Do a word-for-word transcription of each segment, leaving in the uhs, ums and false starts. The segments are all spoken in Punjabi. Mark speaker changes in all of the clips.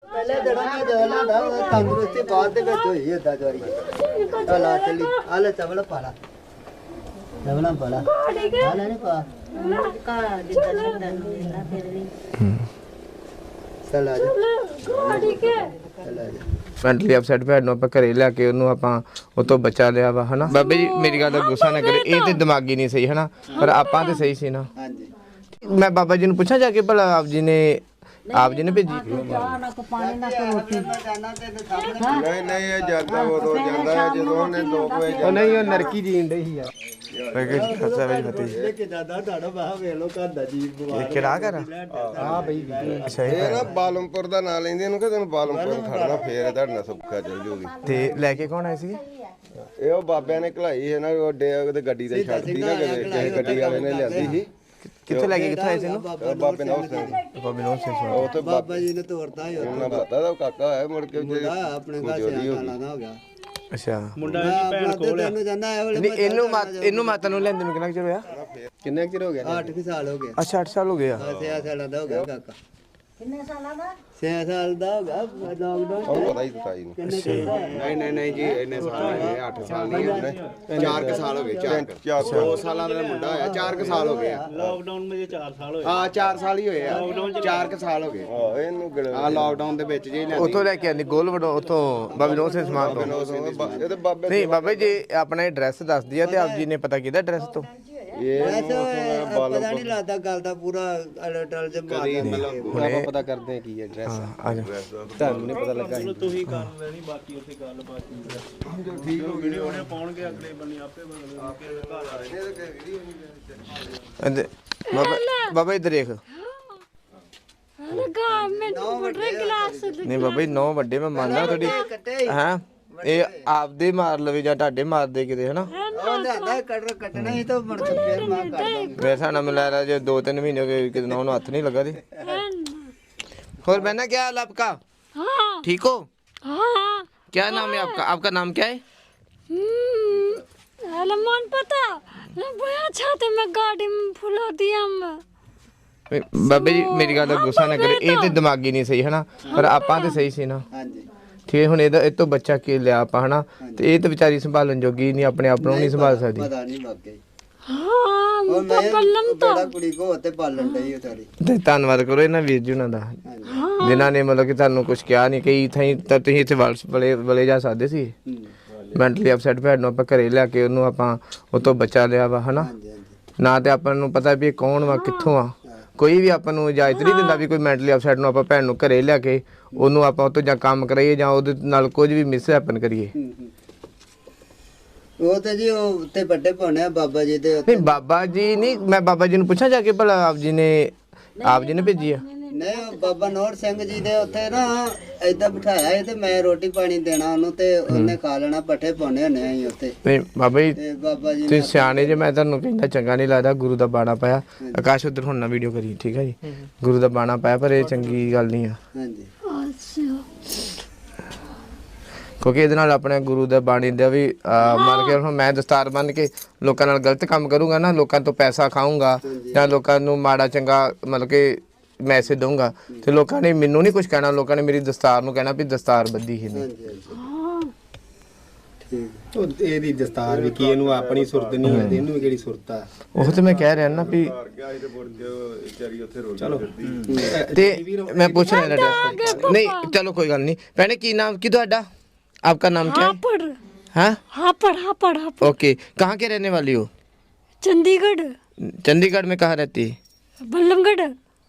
Speaker 1: ਪਹਿਲੇ ਦਿਨਾਂ ਦਾ ਜਹਲਾ ਦਾ ਤੰਦਰੁਸਤੀ ਬਾਅਦ ਦੇ ਵਿੱਚ ਹੋਈ ਏਦਾਂ ਜਵਾਈ ਚਲਾ ਚਲੀ ਆ ਲੈ ਚਵਲ ਪਾ ਲਾ ਚਵਲਾਂ ਪਾ ਲਾ ਆ ਲੈ ਨਹੀਂ ਪਾ ਕਾ ਜਿੱਦਾਂ ਜਿੱਦਾਂ ਨਾ ਫਿਰ ਵੀ ਚਲਾ ਜਾ ਗਾੜੀ ਕੇ ਚਲਾ ਜਾ
Speaker 2: ਮੈਂਟਲੀ ਅਪਸੈਟ ਭੈਣ ਨੂੰ ਆਪਾਂ ਘਰੇ ਲਿਆ ਕੇ ਉਹਨੂੰ ਆਪਾਂ ਉਹ ਤੋਂ ਬਚਾ ਲਿਆ ਵਾ ਹਨਾ ਬਾਬੇ ਜੀ ਮੇਰੀ ਗੱਲ ਦਾ ਗੁੱਸਾ ਨਾ ਕਰੇ ਇਹ ਤੇ ਦਿਮਾਗੀ ਨਹੀਂ ਸਹੀ ਹਨਾ ਪਰ ਆਪਾਂ ਤੇ ਸਹੀ ਸੀ ਨਾ
Speaker 1: ਹਾਂਜੀ
Speaker 2: ਮੈਂ ਬਾਬਾ ਜੀ ਨੂੰ ਪੁੱਛਾਂ ਜਾ ਕੇ ਭਲਾ ਆਪ ਜੀ ਨੇ ਆਪ ਜੀ ਨੇ ਭੇਜੀ
Speaker 3: ਨਹੀਂ ਨਹੀਂ ਇਹ ਜਾਂਦਾ ਉਦੋਂ ਜਾਂਦਾ ਹੈ ਜਦੋਂ ਉਹਨੇ ਦੋ ਵਜੇ
Speaker 2: ਉਹ ਨਹੀਂ ਉਹ ਨਰਕੀ ਜੀਣ ਡਈ ਸੀ ਆ ਖਸਾ ਵਿੱਚ ਫਤੀ
Speaker 1: ਇਹ ਕਿ ਦਾਦਾ ਤੁਹਾਡਾ ਬਾਹ ਵੇਖ ਲੋ ਘਰ ਦਾ ਜੀ
Speaker 2: ਇਹ ਕਿਹੜਾ ਕਰ ਆ ਬਈ ਅੱਛਾ
Speaker 3: ਇਹ ਨਾ ਬਾਲਮਪੁਰ ਦਾ ਨਾਂ ਲੈਂਦੇ ਇਹਨੂੰ ਕਿ ਤੈਨੂੰ ਬਾਲਮਪੁਰ ਖੜਨਾ ਫੇਰ ਤੁਹਾਡੇ ਨਾਲ ਸੁੱਖਾ ਚੱਲ ਜੂਗੀ
Speaker 2: ਤੇ ਲੈ ਕੇ ਕੌਣ ਆਏ ਸੀ
Speaker 3: ਇਹ ਉਹ ਬਾਬਿਆਂ ਨੇ ਘਲਾਈ ਹੈ ਨਾ ਉਹ ਡੇ ਉਹਦੇ ਗੱਡੀ ਤੇ ਛੱਡਦੀ ਨਾ ਕਿਸੇ ਗੱਡੀ ਵਾਲੇ ਨੇ ਲਿਆਂਦੀ ਸੀ
Speaker 2: ਕਿੱਥੇ ਲੈ ਕੇ ਕਿੱਥੇ ਆਏ ਸੀ ਇਹਨੂੰ
Speaker 3: ਬਾਬੇ ਨਾਲ ਉਸ
Speaker 2: ਬਾਬੇ ਨੂੰ ਸੇ
Speaker 3: ਉਹ ਤੇ
Speaker 1: ਬਾਬਾ ਜੀ ਨੇ ਤੋਰਤਾ ਹੀ
Speaker 3: ਉਹਨਾਂ ਪਤਾ ਦਾ ਕਾਕਾ ਹੈ ਮੁੜ ਕੇ
Speaker 1: ਮੁੰਡਾ ਆਪਣੇ ਘਰ ਸਿਆਣਾ ਲਾਣਾ ਹੋ ਗਿਆ
Speaker 2: ਅੱਛਾ
Speaker 1: ਮੁੰਡਾ ਦੀ ਭੈਣ ਕੋਲ ਤੈਨੂੰ ਜਾਂਦਾ ਇਹ ਵੇਲੇ
Speaker 2: ਨਹੀਂ ਇਹਨੂੰ ਮਾਤ ਇਹਨੂੰ ਮਾਤਾ ਨੂੰ ਲੈਂਦੇ ਨੂੰ ਕਿੰਨਾ ਚਿਰ ਹੋਇਆ
Speaker 3: ਕਿੰਨੇ ਚਿਰ ਹੋ ਗਿਆ
Speaker 1: ਅੱਠ ਸਾਲ ਹੋ ਗਏ
Speaker 2: ਅੱਛਾ ਅੱਠ ਸਾਲ ਹੋ ਗਏ ਆ
Speaker 1: ਛੇ ਸਾਲਾਂ ਦਾ ਹੋ ਗਿਆ ਕਾਕਾ ਕਿੰਨੇ ਸਾਲਾਂ ਦਾ ਛੇ ਸਾਲ ਦਾ ਹੋ ਗਿਆ ਲਾਕਡਾਊਨ
Speaker 3: ਉਹ ਪਤਾ ਹੀ ਦਿੱਤਾ ਇਹਨੂੰ
Speaker 4: ਨਹੀਂ ਨਹੀਂ ਨਹੀਂ ਜੀ ਇੰਨੇ ਸਾਲ ਹੋ ਗਏ ਅੱਠ ਸਾਲ ਨਹੀਂ ਹੋਏ ਚਾਰ ਕੁ ਸਾਲ ਹੋ ਗਏ ਚਾਰ
Speaker 3: ਚਾਰ
Speaker 4: ਦੋ ਸਾਲਾਂ ਦਾ ਮੁੰਡਾ ਹੋਇਆ ਚਾਰ ਕੁ ਸਾਲ ਹੋ ਗਏ
Speaker 5: ਲਾਕਡਾਊਨ ਵਿੱਚ ਚਾਰ ਸਾਲ ਹੋਏ
Speaker 4: ਹਾਂ ਚਾਰ ਸਾਲ ਹੀ ਹੋਏ ਆ ਚਾਰ ਕੁ ਸਾਲ ਹੋ ਗਏ
Speaker 3: ਆਹ ਇਹਨੂੰ ਗਿਣ
Speaker 4: ਆ ਲਾਕਡਾਊਨ ਦੇ ਵਿੱਚ ਜੀ
Speaker 2: ਉਥੋਂ ਲੈ ਕੇ ਆਂਦੀ ਗੋਲ ਵਡੋ ਉਥੋਂ ਬਾਬੇ ਨੂੰ ਸੇ ਸਮਾਨ ਤੋਂ
Speaker 3: ਇਹ ਤੇ ਬਾਬੇ
Speaker 2: ਨਹੀਂ ਬਾਬਾ ਜੀ ਆਪਣਾ ਐਡਰੈਸ ਦੱਸ ਦਿਆ ਤੇ ਆਪ ਜੀ ਨੇ ਪਤਾ ਕੀਤਾ ਐਡਰੈਸ ਤੋਂ
Speaker 3: ਇਹ
Speaker 1: ਪਤਾ ਨਹੀਂ ਲੱਗਦਾ ਗੱਲ ਦਾ ਪੂਰਾ ਅਲਟਲ ਚ ਮਾਰਦਾ
Speaker 4: ਆਪਾਂ ਪਤਾ ਕਰਦੇ ਆ ਕੀ ਐਡਰੈਸ
Speaker 2: ਆ ਜਾ
Speaker 4: ਤੁਹਾਨੂੰ ਨਹੀਂ ਪਤਾ ਲੱਗਾ
Speaker 5: ਤੁਸੀਂ ਕਰ ਲੈਣੀ ਬਾਕੀ ਉੱਥੇ ਗੱਲ ਬਾਤ ਠੀਕ ਹੋ ਵੀਡੀਓ ਉਹਨੇ ਪਾਉਣਗੇ ਅਗਲੇ ਬੰਨੇ ਆਪੇ ਬਦਲ ਘਰ ਆ
Speaker 2: ਇਹਦੇ ਬਾਬਾ ਬਾਬਾ ਇੱਧਰ ਦੇਖ
Speaker 6: ਲਗਾ ਮੈਂ ਬੜੇ ਗਲਾਸ
Speaker 2: ਨਹੀਂ ਬਾਬਾ ਜੀ ਨੌ ਵੱਡੇ ਮੈਂ ਮੰਨਦਾ ਤੁਹਾਡੀ ਹਾਂ ਇਹ ਆਪਦੇ ਮਾਰ ਲਵੇ ਜਾਂ ਤੁਹਾਡੇ ਮਾਰਦੇ ਕਿਤੇ ਹਨਾ
Speaker 1: ਉਹ ਲਿਆਂਦਾ ਕੱਟ ਕੱਟਣਾ ਹੀ ਤਾਂ ਮੁੜ ਕੇ ਫੇਰ ਮਾਂ ਕਰ ਦਾਂਗੇ
Speaker 2: ਮੇਰੇ ਹਿਸਾਬ ਨਾਲ ਮਿਲਾ ਰਿਹਾ ਜੇ ਦੋ ਤਿੰਨ ਮਹੀਨੇ ਹੋ ਗਏ ਕਿਤੇ ਨੌ ਨੂੰ ਹੱਥ ਨਹੀਂ ਲੱਗਾ ਤੇ और बहना क्या हाल आपका
Speaker 6: हाँ
Speaker 2: ठीक हो
Speaker 6: हाँ
Speaker 2: क्या नाम है आपका आपका नाम क्या है
Speaker 6: अलमान पता बड़ा छाते में गाड़ी में फुला दिया मैं
Speaker 2: बाबे जी मेरी गल दा गुस्सा ना करे ये ते दिमागी नहीं सही है ना पर आपां ते सही सी ना
Speaker 1: ਹਾਂਜੀ
Speaker 2: ठीक है हुण ਇਹਦਾ ਇਹ ਤੋਂ ਬੱਚਾ ਕੀ ਲਿਆ ਆਪਾਂ ਹਨਾ ਤੇ ਇਹ ਤੇ ਵਿਚਾਰੀ ਸੰਭਾਲਣ ਜੋਗੀ ਨਹੀਂ ਆਪਣੇ ਆਪ ਨੂੰ ਨਹੀਂ ਸੰਭਾਲ ਸਕਦੀ
Speaker 1: ਪਤਾ ਨਹੀਂ ਵਾਕਈ
Speaker 6: हाँ
Speaker 1: ਉਹ ਮੈਂ ਬੜਾ ਕੁੜੀ ਕੋ ਤੇ ਪਾਲਣ ਡਈ ਉਹ ਤਾਰੀ
Speaker 2: ਤੇ ਧੰਨਵਾਦ ਕਰੋ ਇਹਨਾਂ ਵੀਰ ਜੀ ਉਹਨਾਂ ਦਾ ਜਿਨ੍ਹਾਂ ਨੇ ਮਤਲਬ ਕਿ ਤੁਹਾਨੂੰ ਕੁਝ ਕਿਹਾ ਨਹੀਂ ਕਈ ਥਾਈ ਤਾਂ ਤੁਸੀਂ ਇੱਥੇ ਵਲਸ ਬਲੇ ਬਲੇ ਜਾ ਸਕਦੇ ਸੀ ਮੈਂਟਲੀ ਅਪਸੈਟ ਭੈਣ ਨੂੰ ਆਪਾਂ ਘਰੇ ਲਿਆ ਕੇ ਉਹਨੂੰ ਆਪਾਂ ਉਹ ਤੋਂ ਬਚਾ ਲਿਆ ਵਾ ਹਨਾ
Speaker 1: ਹਾਂਜੀ ਹਾਂਜੀ
Speaker 2: ਨਾ ਤੇ ਆਪਾਂ ਨੂੰ ਪਤਾ ਵੀ ਇਹ ਕੌਣ ਵਾ ਕਿੱਥੋਂ ਆ ਕੋਈ ਵੀ ਆਪਾਂ ਨੂੰ ਇਜਾਜ਼ਤ ਨਹੀਂ ਦਿੰਦਾ ਵੀ ਕੋਈ ਮੈਂਟਲੀ ਅਪਸੈਟ ਨੂੰ ਆਪਾਂ ਭੈਣ ਨੂੰ ਘਰੇ ਲਿਆ ਕੇ ਉਹਨੂੰ ਆਪਾਂ ਉਹ ਤੋਂ ਜਾਂ ਕੰਮ ਕਰਾਈਏ ਜਾਂ ਉਹਦੇ ਨਾਲ ਕੁਝ ਵੀ ਮਿਸ ਹੈਪਨ ਕਰੀਏ
Speaker 1: ਉਹ ਤੇ ਜੀ ਉਹ ਉੱਤੇ ਵੱਡੇ ਪਾਉਣੇ ਆ ਬਾਬਾ ਜੀ ਦੇ
Speaker 2: ਨਹੀਂ ਬਾਬਾ ਜੀ ਨਹੀਂ ਮੈਂ ਬਾਬਾ ਜੀ ਨੂੰ ਪੁੱਛਾਂ ਜਾ ਕੇ ਭਲਾ ਆਪ ਜੀ ਨੇ ਆਪ ਜੀ ਨੇ ਭੇਜੀ ਆ
Speaker 1: ਨਹੀਂ ਉਹ ਬਾਬਾ ਨੌਰ ਸਿੰਘ ਜੀ ਦੇ ਉੱਥੇ ਨਾ ਏਦਾਂ ਬਿਠਾਇਆ ਸੀ ਤੇ ਮੈਂ ਰੋਟੀ ਪਾਣੀ ਦੇਣਾ ਉਹਨੂੰ ਤੇ ਉਹਨੇ ਖਾ ਲੈਣਾ ਪੱਠੇ ਪਾਉਣੇ ਹੁੰਦੇ ਆ ਅਸੀਂ ਉੱਥੇ
Speaker 2: ਨਹੀਂ ਬਾਬਾ ਜੀ
Speaker 1: ਤੇ ਬਾਬਾ ਜੀ
Speaker 2: ਤੁਸੀਂ ਸਿਆਣੇ ਜੇ ਮੈਂ ਤੁਹਾਨੂੰ ਕਹਿੰਦਾ ਚੰਗਾ ਨਹੀਂ ਲੱਗਦਾ ਗੁਰੂ ਦਾ ਬਾਣਾ ਪਾਇਆ ਆਕਾਸ਼ ਉਧਰ ਹੁਣ ਨਾ ਵੀਡੀਓ ਕਰੀ ਠੀਕ ਹੈ ਜੀ ਗੁਰੂ ਦਾ ਬਾਣਾ ਪਾਇਆ ਪਰ ਇਹ ਚੰਗੀ ਗੱਲ ਨਹੀਂ ਆ
Speaker 1: ਹਾਂਜੀ
Speaker 2: ਕਿਉਂਕਿ ਇਹਦੇ ਨਾਲ ਆਪਣੇ ਗੁਰੂ ਦਾ ਬਾਣੀ ਦਾ ਵੀ ਮੰਨ ਕੇ ਹੁਣ ਮੈਂ ਦਸਤਾਰ ਬੰਨ ਕੇ ਲੋਕਾਂ ਨਾਲ ਗਲਤ ਕੰਮ ਕਰੂੰਗਾ ਨਾ ਲੋਕਾਂ ਤੋਂ ਪੈਸਾ ਖਾਊਂਗਾ ਜਾਂ ਲੋਕਾਂ ਨੂੰ ਮਾੜਾ ਚੰਗਾ ਮਤਲਬ ਕਿ ਮੈਸੇਜ ਦਊਂਗਾ ਤੇ ਲੋਕਾਂ ਨੇ ਮੈਨੂੰ ਨਹੀਂ ਕੁਝ ਕਹਿਣਾ ਲੋਕਾਂ ਨੇ ਮੇਰੀ ਦਸਤਾਰ ਨੂੰ ਕਹਿਣਾ ਵੀ ਦਸਤਾਰ ਬੱਧੀ ਹੀ ਨਹੀਂ
Speaker 1: ਹਾਂਜੀ ਹਾਂਜੀ ਠੀਕ
Speaker 4: ਉਹ ਇਹਦੀ ਦਸਤਾਰ ਵੀ ਕੀ ਇਹਨੂੰ ਆਪਣੀ ਸੁਰਤ ਨਹੀਂ ਹੈ ਇਹਨੂੰ ਵੀ ਕਿਹੜੀ ਸੁਰਤ ਆ
Speaker 2: ਉਹ ਤੇ ਮੈਂ ਕਹਿ ਰਿਹਾ ਨਾ ਵੀ
Speaker 3: ਗਿਆ ਸੀ ਤੇ ਮੁੜ ਕੇ ਵਿਚਾਰੀ ਉੱਥੇ ਰੋਲ
Speaker 4: ਚਲੋ
Speaker 2: ਤੇ ਮੈਂ ਪੁੱਛ ਰਿਹਾ ਐਡਰੈਸ ਨਹੀਂ ਚਲੋ ਕੋਈ ਗੱਲ ਨਹੀਂ ਭੈਣੇ ਕੀ ਨਾਮ ਕੀ ਤੁਹਾਡਾ आपका नाम क्या है
Speaker 6: हापड़
Speaker 2: हाँ
Speaker 6: हापड़ हापड़ हापड़
Speaker 2: ओके कहाँ के रहने वाली हो
Speaker 6: चंडीगढ़
Speaker 2: चंडीगढ़ में कहाँ रहती है
Speaker 6: बल्लमगढ़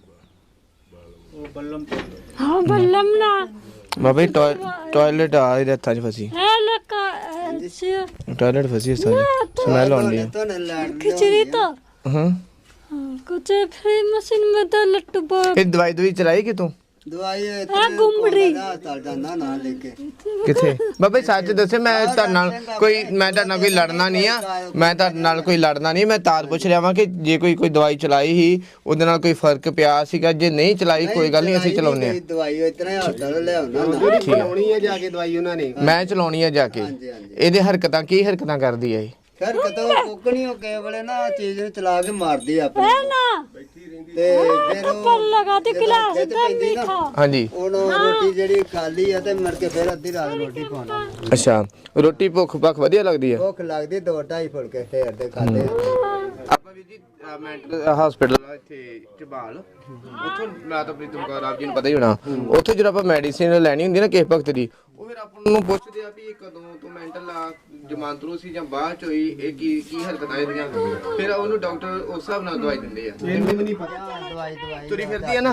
Speaker 5: बल्लम
Speaker 6: हाँ बल्लम ना
Speaker 2: बाबा टॉयलेट आ ही रहता है फंसी
Speaker 6: है लका ऐसे
Speaker 2: टॉयलेट फंसी है सारी स्मेल आ रही है
Speaker 1: तो न लड़
Speaker 6: खिचड़ी तो
Speaker 2: हाँ
Speaker 6: हाँ, कुछ फ्री मशीन में तो लट्टू बोल
Speaker 2: फिर दवाई दवाई चलाई कि तू
Speaker 1: ਦਵਾਈ
Speaker 6: ਗੁੰਮੜੀ
Speaker 1: ਹਸਪਤਾਲ ਜਾਂਦਾ ਨਾ ਲੈ ਕੇ
Speaker 2: ਕਿੱਥੇ ਬਾਬਾ ਸੱਚ ਦੱਸੇ ਮੈਂ ਤੁਹਾਡੇ ਨਾਲ ਕੋਈ ਮੈਂ ਤੁਹਾਡੇ ਨਾਲ ਕੋਈ ਲੜਨਾ ਨਹੀਂ ਆ ਮੈਂ ਤੁਹਾਡੇ ਨਾਲ ਕੋਈ ਲੜਨਾ ਨਹੀਂ ਮੈਂ ਤਾਰ ਪੁੱਛ ਰਿਹਾ ਵਾਂ ਕਿ ਜੇ ਕੋਈ ਕੋਈ ਦਵਾਈ ਚਲਾਈ ਸੀ ਉਹਦੇ ਨਾਲ ਕੋਈ ਫਰਕ ਪਿਆ ਸੀਗਾ ਜੇ ਨਹੀਂ ਚਲਾਈ ਕੋਈ ਗੱਲ ਨਹੀਂ ਅਸੀਂ ਚਲਾਉਂਦੇ ਆ
Speaker 1: ਦਵਾਈ ਇਤਨਾ ਹਸਪਤਾਲ ਲਿਆਉਣਾ ਨਾ
Speaker 4: ਚਲਾਉਣੀ ਹੈ ਜਾ ਕੇ ਦਵਾਈ ਉਹਨਾਂ ਨੇ
Speaker 2: ਮੈਂ ਚਲਾਉਣੀ ਆ ਜਾ ਕੇ
Speaker 1: ਹਾਂਜੀ ਹਾਂਜੀ
Speaker 2: ਇਹਦੇ ਹਰਕਤਾਂ ਕੀ ਹਰਕਤਾਂ ਕਰਦੀ ਆ ਇਹ
Speaker 1: ਫਿਰ ਕਦੋਂ ਕੋਕਣੀ ਹੋ ਕੇ ਵੇਲੇ ਨਾ ਚੀਜ਼ ਨੂੰ ਚਲਾ ਕੇ ਮਾਰਦੀ ਆ ਆਪਣੀ
Speaker 6: ना
Speaker 1: ਤੇ ਫਿਰ ਉਹ
Speaker 6: पर लगा दे गिलास
Speaker 1: ਖੇਤ
Speaker 6: दम
Speaker 1: ਪੈਂਦੀ ਨਾ,
Speaker 6: मीठा
Speaker 2: ਹਾਂਜੀ
Speaker 1: ਉਹਨੂੰ ਰੋਟੀ ਰੋਟੀ ਜਿਹੜੀ ਖਾਲੀ ਆ ਤੇ ਮੁੜ ਕੇ ਫਿਰ ਅੱਧੀ ਰਾਤ ਰੋਟੀ ਖਾਣਾ
Speaker 2: ਅੱਛਾ ਰੋਟੀ ਭੁੱਖ ਭੱਖ ਵਧੀਆ ਲੱਗਦੀ ਆ
Speaker 1: ਭੁੱਖ ਲੱਗਦੀ ਦੋ ਢਾਈ ਫੁਲਕੇ ਫੇਰ ਦੇ ਖਾਦੇ
Speaker 2: ਆਪਾਂ ਵੀ ਜੀ ਮੈਂਟਲ ਹਸਪੀਟਲ ਆ ਇੱਥੇ ਝਬਾਲ ਉੱਥੋਂ ਮੈਂ ਤਾਂ ਪ੍ਰੀਤਮ ਕੌਰ ਆਪ ਜੀ ਨੂੰ ਪਤਾ ਹੀ ਹੋਣਾ ਉੱਥੇ ਜਦੋਂ ਆਪਾਂ ਮੈਡੀਸਿਨ ਲੈਣੀ ਹੁੰਦੀ ਨਾ ਕਿਸੇ ਵਕਤ ਦੀ ਉਹ ਫਿਰ ਆਪਾਂ ਨੂੰ ਪੁੱਛਦੇ ਆ ਵੀ ਇਹ ਕਦੋਂ ਤੋਂ ਮੈਂਟਲ ਆ ਜਮਾਂਤਰੂ ਸੀ ਜਾਂ ਬਾਅਦ ਚ ਹੋਈ ਇਹ ਕੀ ਕੀ ਹਰਕਤਾਂ ਇਹਦੀਆਂ ਫਿਰ ਉਹਨੂੰ ਡਾਕਟਰ ਉਸ ਹਿਸਾਬ ਨਾਲ ਦਵਾਈ ਦਿੰਦੇ ਆ
Speaker 1: ਇਹਨੂੰ ਵੀ ਨਹੀਂ ਪਤਾ ਦਵਾਈ ਦਵਾਈ
Speaker 2: ਤੁਰੀ ਫਿਰਦੀ ਆ ਨਾ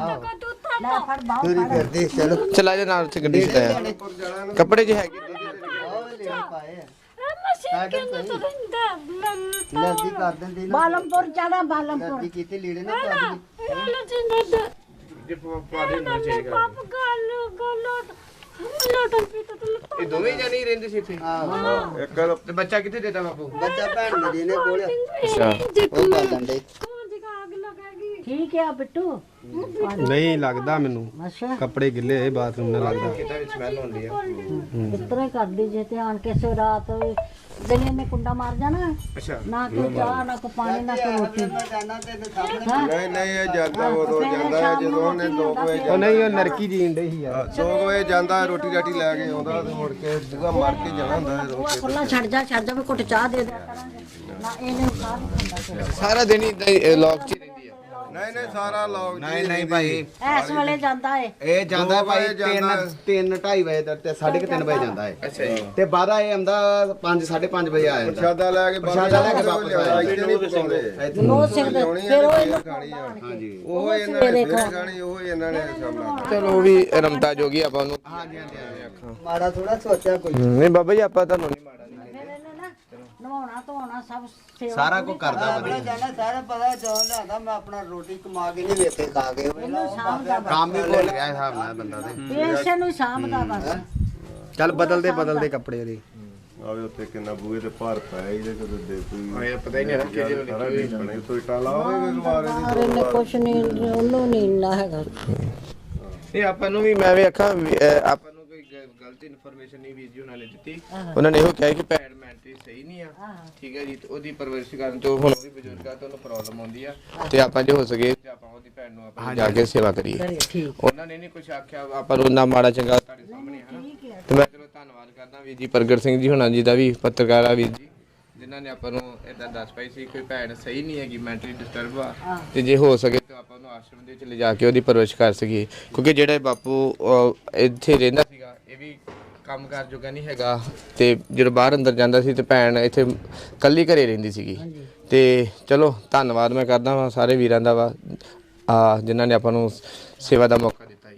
Speaker 1: ਤੁਰੀ ਫਿਰਦੀ ਚਲੋ
Speaker 2: ਚਲਾ ਜਾ ਨਾਲ ਉੱਥੇ ਗੱਡੀ ਚ ਆਇਆ ਕੱਪੜੇ ਜੇ ਹੈਗੇ
Speaker 1: ਉਹ ਲੈ ਪਾਏ ਆ
Speaker 6: ਮਸੀਂ ਕਿੰਨਾ ਤਾਂ ਰਹਿੰਦਾ
Speaker 1: ਲੜਦੀ ਕਰ ਦਿੰਦੀ ਨਾ
Speaker 7: ਬਾਲਮਪੁਰ ਜਾਣਾ ਬਾਲਮਪੁਰ
Speaker 1: ਲੜਦੀ ਕੀਤੀ ਲੀੜੇ ਨਾ ਪਾ ਦੀ
Speaker 6: ਇਹ ਲੈ ਜਿੰਦਾ
Speaker 2: ਜੇ ਪਾ ਦੇ ਨਾ ਚਾਹੀਦਾ
Speaker 6: ਪਾਪ ਗੱਲ ਗੱਲੋਂ ਲੋਟਨ ਪੀਤਾ ਤੇ ਲੱਤਾਂ
Speaker 2: ਇਹ ਦੋਵੇਂ ਜਾਨੀ ਰਹਿੰਦੇ ਸੀ ਇੱਥੇ
Speaker 1: ਆਹੋ
Speaker 3: ਇੱਕ
Speaker 2: ਤੇ ਬੱਚਾ ਕਿੱਥੇ ਦੇਤਾ ਬਾਪੂ
Speaker 1: ਬੱਚਾ ਭੈਣ ਮੇਰੀ ਨੇ ਕੋਲ
Speaker 2: ਅੱਛਾ
Speaker 1: ਉਹ ਬਾਦਨ ਦੇ
Speaker 6: ਕੌਣ ਦੀ ਆਗ ਲੱਗੇਗੀ
Speaker 7: ਠੀਕ ਹੈ ਬਿੱਟੂ
Speaker 5: ਨਹੀਂ ਲੱਗਦਾ ਮੈਨੂੰ
Speaker 7: ਅੱਛਾ
Speaker 5: ਕੱਪੜੇ ਗਿੱਲੇ ਹੋਏ ਬਾਥਰੂਮ ਨਾਲ ਲੱਗਦਾ
Speaker 2: ਕਿਤਾ ਵਿੱਚ ਸਮੈਲ ਹੁੰਦੀ ਆ
Speaker 7: ਇਸ ਤਰ੍ਹਾਂ ਹੀ ਕਰਦੀ ਜੇ ਤੇ ਆਣ ਕੇ ਸੋ ਰਾਤ ਦਿਨੇ ਨੇ ਕੁੰਡਾ ਮਾਰ ਜਾਣਾ
Speaker 2: ਅੱਛਾ
Speaker 7: ਨਾ ਕੋਈ ਚਾਹ ਨਾ ਕੋਈ ਪਾਣੀ ਨਾ ਕੋਈ ਰੋਟੀ
Speaker 1: ਮੈਂ ਜਾਣਾ ਤੇ ਸਾਹਮਣੇ
Speaker 3: ਨਹੀਂ ਨਹੀਂ ਇਹ ਜਾਂਦਾ ਉਦੋਂ ਜਾਂਦਾ ਹੈ ਜਦੋਂ ਉਹਨੇ ਦੋ ਕੁ ਵਜੇ
Speaker 5: ਉਹ ਨਹੀਂ ਉਹ ਨਰਕੀ ਜੀਣ ਡਈ ਸੀ ਯਾਰ
Speaker 3: ਦੋ ਕੁ ਵਜੇ ਜਾਂਦਾ ਰੋਟੀ ਰਾਟੀ ਲੈ ਕੇ ਆਉਂਦਾ ਤੇ ਮੁੜ ਕੇ ਦੂਗਾ ਮਾਰ ਕੇ ਜਾਣਾ ਹੁੰਦਾ ਹੈ ਰੋਟੀ
Speaker 7: ਖੁੱਲਾ ਛੱਡ ਜਾ ਛੱਡ ਜਾ ਵੀ ਘੁੱਟ ਚਾਹ ਦੇ ਦਿਆ ਕਰਾਂਗੇ ਨਾ ਇਹਨੇ ਸਾਹ ਨਹੀਂ ਖੰਦਾ
Speaker 2: ਸਾਰਾ ਦਿਨ ਹੀ ਲੋਕ ਚ ਹੀ ਰਹਿੰਦੀ ਆ
Speaker 3: ਨਹੀਂ ਨਹੀਂ ਸਾਰਾ ਲੋਕ
Speaker 5: ਨਹੀਂ ਨਹੀਂ ਭਾਈ
Speaker 7: ਇਸ ਵੇਲੇ ਜਾਂਦਾ ਏ
Speaker 5: ਇਹ ਜਾਂਦਾ
Speaker 3: ਦੋ
Speaker 5: ਭਾਈ
Speaker 3: ਵਜੇ ਜਾਂਦਾ।
Speaker 5: ਤਿੰਨ ਤਿੰਨ ਢਾਈ ਵਜੇ ਤੱਕ ਤੇ ਸਾਢੇ ਕੁ ਤਿੰਨ ਵਜੇ ਜਾਂਦਾ ਹੈ
Speaker 2: ਅੱਛਾ ਜੀ
Speaker 5: ਤੇ ਬਾਅਦਾ ਇਹ ਆਉਂਦਾ ਪੰਜ ਸਾਢੇ ਪੰਜ ਵਜੇ ਆ ਜਾਂਦਾ
Speaker 3: ਪ੍ਰਸ਼ਾਦਾ ਲੈ ਕੇ
Speaker 5: ਪ੍ਰਸ਼ਾਦਾ ਲੈ ਕੇ ਵਾਪਸ
Speaker 3: ਆਇਆ ਇੱਥੇ ਨਹੀਂ ਪਕਾਉਂਦੇ
Speaker 7: ਨੋ ਸਿੱਖਦੇ ਫਿਰ ਉਹ ਇਹਨੂੰ
Speaker 3: ਖਾਣੀ ਆ
Speaker 5: ਹਾਂਜੀ
Speaker 3: ਉਹ ਇਹਨਾਂ ਨੇ ਸਵੇਰੇ ਖਾਣੀ ਉਹ ਇਹਨਾਂ ਨੇ ਸਾਹਮਣਾ
Speaker 2: ਚਲੋ ਉਹ ਵੀ ਰਮਤਾ ਜੋਗੀ ਆਪਾਂ ਉਹਨੂੰ
Speaker 5: ਹਾਂਜੀ ਹਾਂਜੀ
Speaker 1: ਮਾੜਾ ਥੋੜਾ ਸੋਚਿਆ ਕੋਈ
Speaker 2: ਨਹੀਂ ਬਾਬਾ ਜੀ ਆਪਾਂ ਤੁਹਾਨੂੰ ਨਹੀਂ ਮਾੜਾ ਨਹੀਂ
Speaker 7: ਫਿਰ ਇਹਨੇ ਨਾ ਨਵਾਉਣਾ ਧੋਣਾ ਸਭ ਸੇਵਾ
Speaker 5: ਸਾਰਾ ਕੁਝ ਕਰਦਾ
Speaker 1: ਆਪਣਾ ਜਾਣਾ ਸਾਰਾ ਪਤਾ ਜੋ ਲਿਆਦਾ ਮੈਂ ਆਪਣਾ ਰੋਟੀ ਕਮਾ ਕੇ ਨਹੀਂ ਵੇਖੇ ਖਾ ਕੇ
Speaker 7: ਇਹਨੂੰ ਸਾਂਭਦਾ
Speaker 5: ਕੰਮ ਹੀ ਭੁੱਲ ਗਿਆ ਹਿਸਾਬ ਨਾਲ ਬੰਦਾ ਤੇ
Speaker 7: ਇਸੇ ਨੂੰ ਹੀ ਸਾਂਭਦਾ ਬਸ
Speaker 5: ਚੱਲ ਬਦਲਦੇ ਬਦਲਦੇ ਕੱਪੜੇ ਦੇ
Speaker 3: ਆਵੇ ਉੱਤੇ ਕਿੰਨਾ ਬੂਹੇ ਤੇ ਭਾਰ ਪਿਆ ਇਹਦੇ ਕਦੇ ਦੇ ਕੋਈ
Speaker 2: ਇਹ ਪਤਾ ਹੀ ਨਹੀਂ ਕਿ ਜਦੋਂ
Speaker 3: ਸਾਰਾ ਢੀਪਣੇ ਤੋਂ ਇਟਾ ਲਾਓਗੇ ਗਲਵਾਰੇ ਦੀ
Speaker 7: ਪਰ ਇਹਨੇ ਕੁਛ ਨਹੀਂ ਉਹਨੂੰ ਨਹੀਂ ਇੰਨਾ ਹੈਗਾ
Speaker 2: ਇਹ ਆਪਾਂ ਨੂੰ ਵੀ ਮੈਂ ਵੀ ਆਖਾਂ ਵੀ, ਅਹ, ਆਪਾਂ ਨੂੰ ਕੋਈ ਗ- ਗਲਤ ਇਨਫੋਰਮੇਸ਼ਨ ਨਹੀਂ ਵੀਰ ਜੀ ਉਹਨਾਂ ਨੇ ਦਿੱਤੀ ਉਹਨਾਂ ਨੇ ਇਹੋ ਕਿਹਾ ਕਿ ਭੈਣ ਮੈਂਟਲੀ ਸਹੀ ਨਹੀਂ ਆ ਠੀਕ ਹੈ ਜੀ ਤੇ ਉਹਦੀ ਪਰਵਰਿਸ਼ ਕਰਨ ਤੋਂ ਹੁਣ ਉਹ ਵੀ ਬਜ਼ੁਰਗ ਆ ਤੇ ਉਹਨੂੰ ਪ੍ਰੋਬਲਮ ਆਉਂਦੀ ਆ ਤੇ ਆਪਾਂ ਜੇ ਹੋ ਸਕੇ ਤੇ ਆਪਾਂ ਉਹਦੀ ਭੈਣ ਨੂੰ ਆਪਾਂ ਜਾ ਕੇ ਸੇਵਾ ਕਰੀਏ
Speaker 7: ਠੀਕ
Speaker 2: ਉਹਨਾਂ ਨੇ ਨਹੀਂ ਕੁਝ ਆਖਿਆ ਆਪਾਂ ਨੂੰ ਨਾ ਮਾੜਾ ਚੰਗਾ ਤੁਹਾਡੇ ਸਾਹਮਣੇ ਹੈ ਨਾ ਤੇ ਮੈਂ ਚਲੋ ਧੰਨਵਾਦ ਕਰਦਾ ਵੀਰ ਜੀ ਪ੍ਰਗਟ ਸਿੰਘ ਜੀ ਹੁਣਾਂ ਜੀ ਦਾ ਵੀ ਪੱਤਰਕਾਰ ਆ ਵੀਰ ਜੀ ਜਿਨ੍ਹਾਂ ਨੇ ਆਪਾਂ ਨੂੰ ਇਦਾਂ ਦੱਸ ਪਾਈ ਸੀ ਕੋਈ ਭੈਣ ਸਹੀ ਨਹੀਂ ਹੈਗੀ ਮੈਂਟਲੀ ਡਿਸਟਰਬ ਆ ਤੇ ਜੇ ਹੋ ਸਕੇ ਤਾਂ ਆਪਾਂ ਉਹਨੂੰ ਆਸ਼ਰਮ ਦੇ ਵਿੱਚ ਲਿਜਾ ਕੇ ਉਹਦੀ ਪਰਵਰਿਸ਼ ਕਰ ਸਕੀਏ ਕਿਉਂਕਿ ਜਿਹੜਾ ਇਹ ਬਾਪੂ ਅਹ, ਇੱਥੇ ਰਹਿੰਦਾ ਸੀਗਾ ਇਹ ਵੀ ਕੰਮ ਕਾਰ ਜੋਗਾ ਨਹੀਂ ਹੈਗਾ ਤੇ ਜਦੋਂ ਬਾਹਰ ਅੰਦਰ ਜਾਂਦਾ ਸੀ ਤੇ ਭੈਣ ਇੱਥੇ ਕੱਲੀ ਘਰੇ ਰਹਿੰਦੀ ਸੀਗੀ ਤੇ ਚਲੋ ਧੰਨਵਾਦ ਮੈਂ ਕਰਦਾ ਵਾਂ ਸਾਰੇ ਵੀਰਾਂ ਦਾ ਵਾ ਆ ਜਿਨ੍ਹਾਂ ਨੇ ਆਪਾਂ ਨੂੰ ਸੇਵਾ ਦਾ ਮੌਕਾ ਦਿੱਤਾ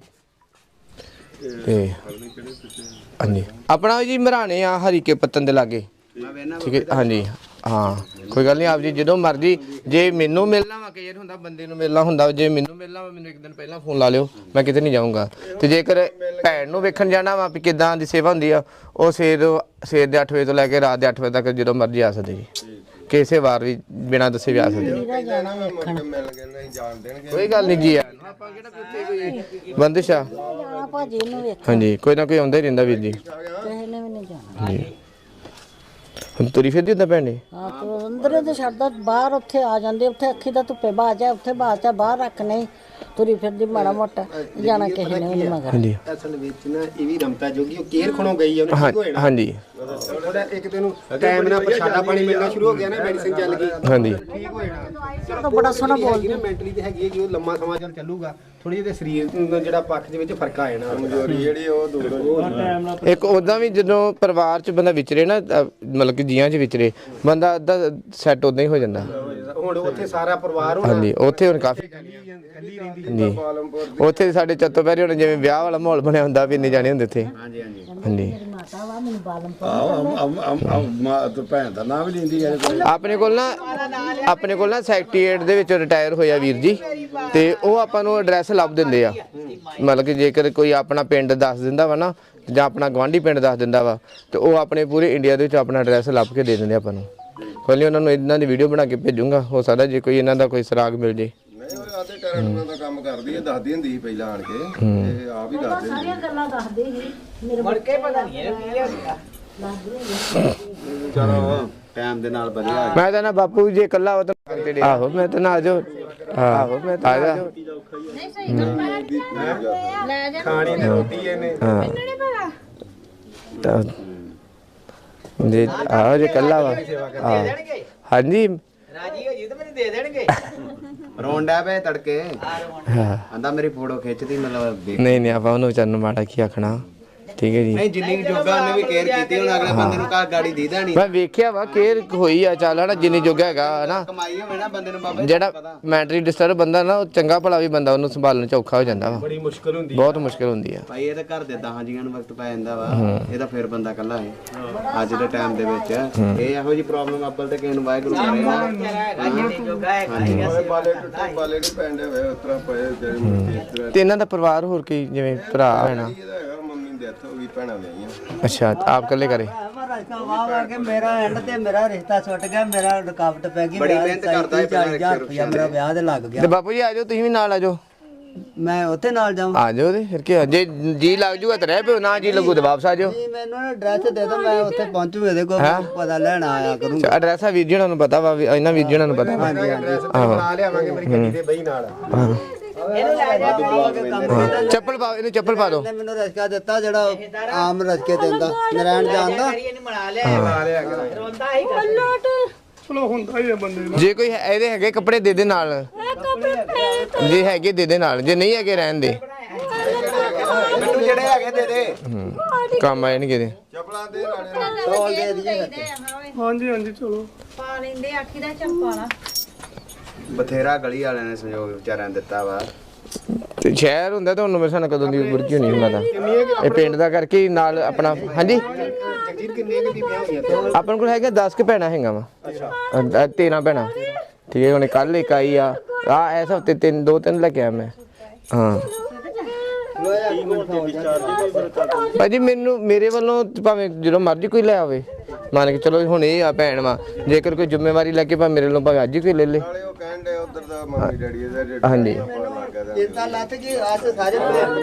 Speaker 2: ਜੀ ਤੇ ਹਾਂਜੀ ਆਪਣਾ ਜੀ ਮਰਾਣੇ ਆ ਹਰੀਕੇ ਪੱਤਨ ਦੇ ਲਾਗੇ ਠੀਕ ਹੈ ਹਾਂਜੀ ਹਾਂ ਕੋਈ ਗੱਲ ਨਹੀਂ ਆਪ ਜੀ ਜਦੋਂ ਮਰਜੀ ਜੇ ਮੈਨੂੰ ਮਿਲਣਾ ਵਾ ਕਈ ਵਾਰ ਹੁੰਦਾ ਬੰਦੇ ਨੂੰ ਮਿਲਣਾ ਹੁੰਦਾ ਜੇ ਮੈਨੂੰ ਮਿਲਣਾ ਵਾ ਮੈਨੂੰ ਇੱਕ ਦਿਨ ਪਹਿਲਾਂ ਫੋਨ ਲਾ ਲਿਓ ਮੈਂ ਕਿਤੇ ਨਹੀਂ ਜਾਊਂਗਾ ਤੇ ਜੇਕਰ ਭੈਣ ਨੂੰ ਵੇਖਣ ਜਾਣਾ ਵਾ ਵੀ ਕਿਦਾਂ ਦੀ ਸੇਵਾ ਹੁੰਦੀ ਆ ਉਹ ਸਵੇਰ ਸਵੇਰ ਦੇ ਅੱਠ ਵਜੇ ਤੋਂ ਲੈ ਕੇ ਰਾਤ ਦੇ ਅੱਠ ਵਜੇ ਤੱਕ ਜਦੋਂ ਮਰਜੀ ਆ ਸਕਦੇ ਜੀ ਕਿਸੇ ਵਾਰ ਵੀ ਬਿਨਾਂ ਦੱਸੇ ਵੀ ਆ ਸਕਦੇ ਜੀ
Speaker 3: ਮਿਲ ਗਏ ਨਹੀਂ ਜਾਣ ਦੇਣਗੇ
Speaker 2: ਕੋਈ ਗੱਲ ਨਹੀਂ ਜੀ ਆਪਾਂ ਕਿਹੜਾ ਉੱਥੇ ਕੋਈ ਬੰਦਿਸ਼ ਆ
Speaker 7: ਜਾਣਾ ਭਾਜੀ ਨੂੰ ਵੇਖ
Speaker 2: ਹਾਂਜੀ ਕੋਈ ਨਾ ਕੋਈ ਆਉਂਦਾ ਹੀ ਰਹਿੰਦਾ ਵੀਰ ਜੀ
Speaker 7: ਕਿਸੇ ਨੇ ਵੀ ਨਹੀਂ ਜਾਣਾ
Speaker 2: ਜੀ ਹੁਣ ਤੁਰੀ ਫਿਰਦੀ ਹੁੰਦਾ ਭੈਣ ਨੇ
Speaker 7: ਹਾਂ ਤੂੰ ਅੰਦਰੇ ਤੇ ਛੱਡਦਾ ਬਾਹਰ ਉੱਥੇ ਆ ਜਾਂਦੇ ਉੱਥੇ ਅੱਖੀ ਦਾ ਧੁੱਪੇ ਬਾਜ ਆ ਉੱਥੇ ਬਾਜ ਆ ਬਾਹਰ ਰੱਖ ਨਹੀਂ ਤੁਰੀ ਫਿਰਦੀ ਮਾੜਾ ਮੋਟਾ ਜਾਣਾ ਕਿਸੇ ਨੇ ਵੀ ਨਹੀਂ ਮਗਰ
Speaker 2: ਹਾਂਜੀ
Speaker 5: ਅਸਲ ਵਿੱਚ ਨਾ ਇਹ ਵੀ ਰਮਤਾ ਜੋਗੀ ਉਹ ਕੇਰ ਖਣੋ ਗਈ ਉਹਨੇ
Speaker 2: ਹਾਂ-
Speaker 5: ਠੀਕ ਹੋ ਜਾਣਾ
Speaker 2: ਹਾਂਜੀ
Speaker 5: ਥੋੜਾ ਇੱਕ ਦਿਨ ਨੂੰ ਟਾਈਮ ਨਾਲ ਪ੍ਰਸ਼ਾਦਾ ਪਾਣੀ ਮਿਲਣਾ ਸ਼ੁਰੂ ਹੋ ਗਿਆ ਨਾ ਮੈਡੀਸਿਨ ਚੱਲ ਗਈ
Speaker 2: ਹਾਂਜੀ
Speaker 5: ਠੀਕ ਹੋ ਜਾਣਾ
Speaker 7: ਤਾਂ ਬੜਾ ਸੋਹਣਾ ਬੋਲਦੀ
Speaker 5: ਨਾ ਮੈਂਟਲੀ ਤੇ ਹੈਗੀ ਹੈ ਕਿ ਉਹ ਲੰਮਾ ਸਮਾਂ ਚੱਲ ਚੱਲੂਗਾ ਥੋੜੀ ਜਿਹੀ ਤੇ ਸਰੀਰ ਦਾ ਜਿਹੜਾ ਪੱਖ ਦੇ ਵਿੱਚ ਫਰਕ ਆ ਜਾਣਾ
Speaker 3: ਕਮਜ਼ੋਰੀ ਜਿਹੜੀ ਉਹ ਦੂਰ ਹੋ ਜਾਊਗੀ।
Speaker 2: ਇੱਕ ਉਦਾਂ ਵੀ ਜਦੋਂ ਪਰਿਵਾਰ ਚ ਬੰਦਾ ਵਿਚਰੇ ਨਾ ਅਹ ਮਤਲਬ ਕਿ ਜੀਆਂ ਚ ਵਿਚਰੇ ਬੰਦਾ ਅੱਧਾ ਸੈੱਟ ਉਦਾਂ ਹੀ ਹੋ ਜਾਂਦਾ
Speaker 5: ਹੁਣ ਉੱਥੇ ਸਾਰਾ ਪਰਿਵਾਰ ਹੋਣਾ
Speaker 2: ਹਾਂਜੀ ਉੱਥੇ ਹੁਣ ਕਾਫੀ
Speaker 5: ਕੱਲੀ ਰਹਿੰਦੀ
Speaker 2: ਹਾਂਜੀ ਉੱਥੇ ਸਾਡੇ ਚੱਤੋ ਪੈਰੀ ਹੁਣ ਜਿਵੇਂ ਵਿਆਹ ਵਾਲਾ ਮਾਹੌਲ ਬਣਿਆ ਹੁੰਦਾ ਵੀ ਇੰਨੇ ਜਾਣੇ ਹੁੰਦੇ ਉੱਥੇ
Speaker 5: ਹਾਂਜੀ ਹਾਂਜੀ
Speaker 2: ਹਾਂਜੀ
Speaker 7: ਮਾਤਾ ਵਾ ਮੈਨੂੰ ਬਾਲਮ
Speaker 5: ਭੈਣ ਦਾ ਨਾਮ ਵੀ ਲੈਂਦੀ ਹੈ
Speaker 2: ਆਪਣੇ ਕੋਲ ਨਾ ਆਪਣੇ ਕੋਲ ਨਾ ਸੈਕਟਰੀਏਟ ਦੇ ਵਿੱਚ ਰਿਟਾਇਰ ਹੋਇਆ ਵੀਰ ਜੀ ਤੇ ਉਹ ਆਪਾਂ ਨੂੰ ਐਡਰੈਸ ਲੱਭ ਦਿੰਦੇ ਆ ਮਤਲਬ ਕਿ ਜੇਕਰ ਕੋਈ ਆਪਣਾ ਪਿੰਡ ਦੱਸ ਦਿੰਦਾ ਵਾ ਨਾ ਜਾਂ ਆਪਣਾ ਗਵਾਂਢੀ ਪਿੰਡ ਦੱਸ ਦਿੰਦਾ ਵਾ ਤੇ ਉਹ ਆਪਣੇ ਪੂਰੇ ਇੰਡੀਆ ਦੇ ਵਿੱਚ ਆਪਣਾ ਐਡਰੈਸ ਲੱਭ ਕੇ ਦੇ ਦਿੰਦੇ ਆਪਾਂ ਨੂੰ ਕੋਈ ਨਹੀਂ ਉਹਨਾਂ ਨੂੰ ਇਹਨਾਂ ਦੀ ਵੀਡੀਓ ਬਣਾ ਕੇ ਭੇਜੂੰਗਾ ਹੋ ਸਕਦਾ ਜੇ ਕੋਈ ਇਹਨਾਂ ਦਾ ਕੋਈ ਸਰਾਗ ਮਿਲ ਜੇ
Speaker 3: ਨਹੀਂ ਉਹ ਆਦੇ ਟੈਰੈਕਟਰਾਂ ਦਾ ਕੰਮ ਕਰਦੀ ਹੈ ਦੱਸਦੀ ਹੁੰਦੀ ਸੀ ਪਹਿਲਾਂ ਆਣ ਕੇ ਤੇ ਆਪ ਹੀ ਦੱਸਦੇ
Speaker 7: ਸਾਰੀਆਂ ਗੱਲਾਂ ਦੱਸਦੇ ਸੀ ਮੇਰੇ ਮੁੜ ਕੇ ਪਤਾ ਨਹੀਂ
Speaker 5: ਚਲੋ ਟਾਈਮ ਦੇ ਨਾਲ ਵਧੀਆ
Speaker 2: ਮੈਂ ਤਾਂ ਨਾ ਬਾਪੂ ਜੇ ਇਕੱਲਾ ਹੋ ਤਾਂ ਆਹੋ ਮੈਂ ਤਾਂ ਨਾ ਆ ਜਾਓ ਆਹੋ ਮੈਂ ਤਾਂ ਆ ਜਾ
Speaker 4: ਖਾਣੀ ਤੇ ਰੋਟੀ ਇਹਨੇ
Speaker 2: ਹਾਂ ਤਾਂ ਜੇ ਆ ਜੇ ਕੱਲਾ ਵਾ ਹਾਂ ਹਾਂਜੀ
Speaker 1: ਰਾਜੀ ਹੋ ਜੀ ਤਾਂ ਮੈਨੂੰ ਦੇ ਦੇਣਗੇ
Speaker 4: ਰੋਂਡਾ ਪਏ ਤੜਕੇ
Speaker 2: ਹਾਂ
Speaker 4: ਆਂਦਾ ਮੇਰੀ ਫੋਟੋ ਖਿੱਚਦੀ ਮਤਲਬ ਦੇਖ
Speaker 2: ਨਹੀਂ ਨਹੀਂ ਆਪਾਂ ਉਹਨੂੰ ਵਿਚਾਰ ਨੂੰ ਮਾੜਾ ਕੀ ਆਖਣਾ ਠੀਕ ਹੈ ਜੀ
Speaker 4: ਨਹੀਂ ਜਿੰਨੀ ਕੁ ਜੋਗਾ ਉਹਨੇ ਵੀ ਕੇਅਰ ਕੀਤੀ ਹੁਣ ਅਗਲੇ ਬੰਦੇ ਨੂੰ ਘਰ ਗਾੜੀ ਦੀਦਾ ਨਹੀਂ
Speaker 2: ਮੈਂ ਵੇਖਿਆ ਵਾ ਕੇਅਰ ਹੋਈ ਆ ਚੱਲ ਹਨਾ ਜਿੰਨੀ ਜੋਗਾ ਹੈਗਾ ਹਨਾ
Speaker 4: ਕਮਾਈ ਹੋਵੇ ਨਾ ਬੰਦੇ ਨੂੰ ਬਾਬਾ ਜੀ
Speaker 2: ਜਿਹੜਾ ਮੈਂਟਲੀ ਡਿਸਟਰਬ ਬੰਦਾ ਨਾ ਉਹ ਚੰਗਾ ਭਲਾ ਵੀ ਬੰਦਾ ਉਹਨੂੰ ਸੰਭਾਲਣ ਚ ਔਖਾ ਹੋ ਜਾਂਦਾ ਵਾ
Speaker 5: ਬੜੀ ਮੁਸ਼ਕਲ ਹੁੰਦੀ
Speaker 2: ਬਹੁਤ ਮੁਸ਼ਕਲ ਹੁੰਦੀ ਆ
Speaker 4: ਭਾਈ ਇਹ ਤਾਂ ਘਰ ਦੇ ਦਸਾਂ ਜੀਆਂ ਨੂੰ ਵਕਤ ਪੈ ਜਾਂਦਾ ਵਾ ਇਹ ਤਾਂ ਫਿਰ ਬੰਦਾ ਇਕੱਲਾ ਹੈ ਅੱਜ ਦੇ ਟਾਈਮ ਦੇ ਵਿੱਚ ਇਹ ਇਹੋ ਜੀ ਪ੍ਰੋਬਲਮ ਅੱਬਲ ਤੇ ਕਿਸੇ ਨੂੰ ਵਾਹਿਗੁਰੂ ਕਰੇ ਨਾ
Speaker 3: ਬਾਲੇ ਟੁੱਟੇ ਬਾਲੇ ਨਹੀਂ ਪੈਂਦੇ ਵੇ ਉਤਰਾ ਪਏ ਜਿਹੜੇ ਮੁਰਤੀ ਇਸ ਤਰ੍ਹਾਂ
Speaker 2: ਤੇ ਇਹਨਾਂ ਦਾ ਪਰਿਵਾਰ ਹੋਰ ਕੀ ਜਿਵੇਂ ਭਰਾ ਹੈਣਾ
Speaker 3: ਇਹਦਾ ਹੈਗਾ ਮੰਮੀ ਦੀ ਡੈਥ ਹੋ ਗਈ ਭੈਣਾਂ ਵਿਆਹੀਆਂ
Speaker 2: ਅੱਛਾ ਤੇ ਆਪ ਇਕੱਲੇ ਕਰੇ
Speaker 1: ਮਹਾਰਾਜ ਕਾ ਵਾਹ ਵਾ ਕੇ ਮੇਰਾ ਐਂਡ ਤੇ ਮੇਰਾ ਰਿਸ਼ਤਾ ਛੁੱਟ ਗਿਆ ਮੇਰਾ ਰੁਕਾਵਟ ਪੈ ਗਈ
Speaker 4: ਬੜੀ
Speaker 1: ਵਿਆਹ
Speaker 4: ਮਿਹਨਤ
Speaker 1: ਦੀ
Speaker 4: ਕਰਦਾ ਹੈ
Speaker 1: ਚਾਲੀ ਹਜ਼ਾਰ ਰੁਪਇਆ ਮੇਰਾ ਵਿਆਹ ਦੇ ਲੱਗ ਗਿਆ
Speaker 2: ਤੇ ਬਾਪੂ ਜੀ ਆ ਜਾਓ ਤੁਸੀਂ ਵੀ ਨਾਲ ਆ ਜਾਓ
Speaker 1: ਮੈਂ ਉੱਥੇ ਨਾਲ ਜਾਵਾਂ
Speaker 2: ਆ ਜਾਓ ਤੇ ਫਿਰ ਕੀ ਆ, ਜੇ ਜੀ ਲੱਗ ਜੂਗਾ ਤਾਂ ਰਹਿ ਪਿਓ ਨਾ ਜੀ ਲੱਗੂ ਤਾਂ ਵਾਪਸ ਆ ਜਾਓ
Speaker 1: ਜੀ ਮੈਨੂੰ ਨਾ ਐਡਰੈਸ ਦੇ ਦਿਓ ਮੈਂ ਉੱਥੇ ਪਹੁੰਚੂ ਇਹਦੇ ਕੋਲ ਪਤਾ ਲੈਣ ਆਇਆ ਕਰੂੰਗਾ
Speaker 2: ਐਡਰੈਸ ਆ ਵੀਰ ਜੀ ਉਹਨਾਂ ਨੂੰ ਪਤਾ ਵਾ ਵੀ ਇਹਨਾਂ ਵੀਰ ਜੀ ਉਹਨਾਂ ਨੂੰ ਪਤਾ ਵਾ
Speaker 1: ਹਾਂਜੀ ਹਾਂਜੀ
Speaker 4: ਬਣਾ ਲਿਆਵਾਂਗੇ ਮੇਰੀ ਗੱਡੀ ਤੇ ਬਈ ਨਾਲ
Speaker 2: ਹਾਂ।
Speaker 1: ਇਹਨੂੰ ਲੈ ਜਾ ਕੇ ਕੰਮ ਕਰਦਾ
Speaker 2: ਚੱਪਲ ਪਾ ਇਹਨੂੰ ਚੱਪਲ ਪਾ ਦਿਓ
Speaker 1: ਨੇ ਮੈਨੂੰ ਰਸਕਾ ਦਿੱਤਾ ਜਿਹੜਾ ਆਮ ਰਸਕੇ ਦਿੰਦਾ ਨਰਾਇਣ ਜਾਣਦਾ
Speaker 5: ਚਲੋ ਹੁੰਦਾ ਹੀ ਆ ਬੰਦੇ ਨੂੰ
Speaker 2: ਜੇ ਕੋਈ ਹੈ- ਇਹਦੇ ਹੈਗੇ ਕੱਪੜੇ ਦੇ ਦੇ ਨਾਲ
Speaker 6: ਇਹ ਕੱਪੜੇ ਪਏ
Speaker 2: ਜੇ ਹੈਗੇ ਦੇ ਦੇ ਨਾਲ ਜੇ ਨਹੀਂ ਹੈਗੇ ਰਹਿਣ ਦੇ
Speaker 4: ਮੈਨੂੰ ਜਿਹੜੇ ਹੈਗੇ ਦੇ ਦੇ
Speaker 2: ਹੂੰ। ਕੰਮ ਆਏ ਨਹੀਂ ਕਿਤੇ
Speaker 3: ਚਪਲਾਂ ਦੇ ਨਾਲੇ
Speaker 1: ਤੋਲ ਦੇ ਦਈਏ
Speaker 5: ਹਾਂਜੀ ਹਾਂਜੀ ਚਲੋ
Speaker 8: ਪਾ ਲੈਂਦੇ ਆਖੀ ਦਾ ਚੰਪਾਲਾ
Speaker 4: ਬਥੇਰਾ ਗਲੀ ਵਾਲਿਆਂ ਨੇ ਸੰਯੋਗ ਵਿਚਾਰਿਆਂ ਨੇ ਦਿੱਤਾ ਵਾ
Speaker 2: ਤੇ ਸ਼ਹਿਰ ਹੁੰਦਾ ਤਾਂ ਉਹਨੂੰ ਮੇਰੇ ਸਾਨ ਕਦੋਂ ਦੀ ਬੁਰਕੀ ਹੋਣੀ ਹੁੰਦਾ ਤਾਂ ਇਹ ਪਿੰਡ ਦਾ ਕਰਕੇ ਹੀ ਨਾਲ ਆਪਣਾ ਹਾਂਜੀ
Speaker 4: ਜਗਜੀਤ ਕਿੰਨੀਆਂ ਕਿ ਬੀਬੀਆਂ ਹੋਈਆਂ
Speaker 2: ਆਪਣੇ ਕੋਲ ਹੈਗਾ ਦਸ ਕੁ ਭੈਣਾਂ ਹੈਗਾ ਵਾ ਅੱਛਾ ਤੇਰਾਂ ਭੈਣਾਂ ਠੀਕ ਹੈ ਹੁਣ ਕੱਲ ਇੱਕ ਆਈ ਆ ਆ ਇਸ ਹਫਤੇ ਤਿੰਨ ਦੋ ਤਿੰਨ ਲੈ ਕੇ ਆਇਆ ਮੈਂ ਹਾਂ ਭਾਜੀ ਮੈਨੂੰ ਮੇਰੇ ਵੱਲੋਂ ਭਾਵੇਂ ਜਦੋਂ ਮਰਜ਼ੀ ਕੋਈ ਲੈ ਆਵੇ ਮੰਨ ਕੇ ਚਲੋ ਹੁਣ ਇਹ ਆ ਭੈਣ ਵਾ ਜੇਕਰ ਕੋਈ ਜ਼ਿੰਮੇਵਾਰੀ ਲੈ ਕੇ ਭਾਵੇਂ ਮੇਰੇ ਵੱਲੋਂ ਭਾਵੇਂ ਅੱਜ ਹੀ ਕੋਈ ਲੈ ਲੇ
Speaker 3: ਨਾਲੇ ਉਹ ਕਹਿਣ ਦੇ ਉਧਰ ਦਾ ਮੰਮੀ ਡੈਡੀ ਇਹਦਾ
Speaker 2: ਹਾਂਜੀ
Speaker 1: ਚਿੰਤਾ ਲੱਤ ਗਈ ਅੱਜ ਸਾਰੇ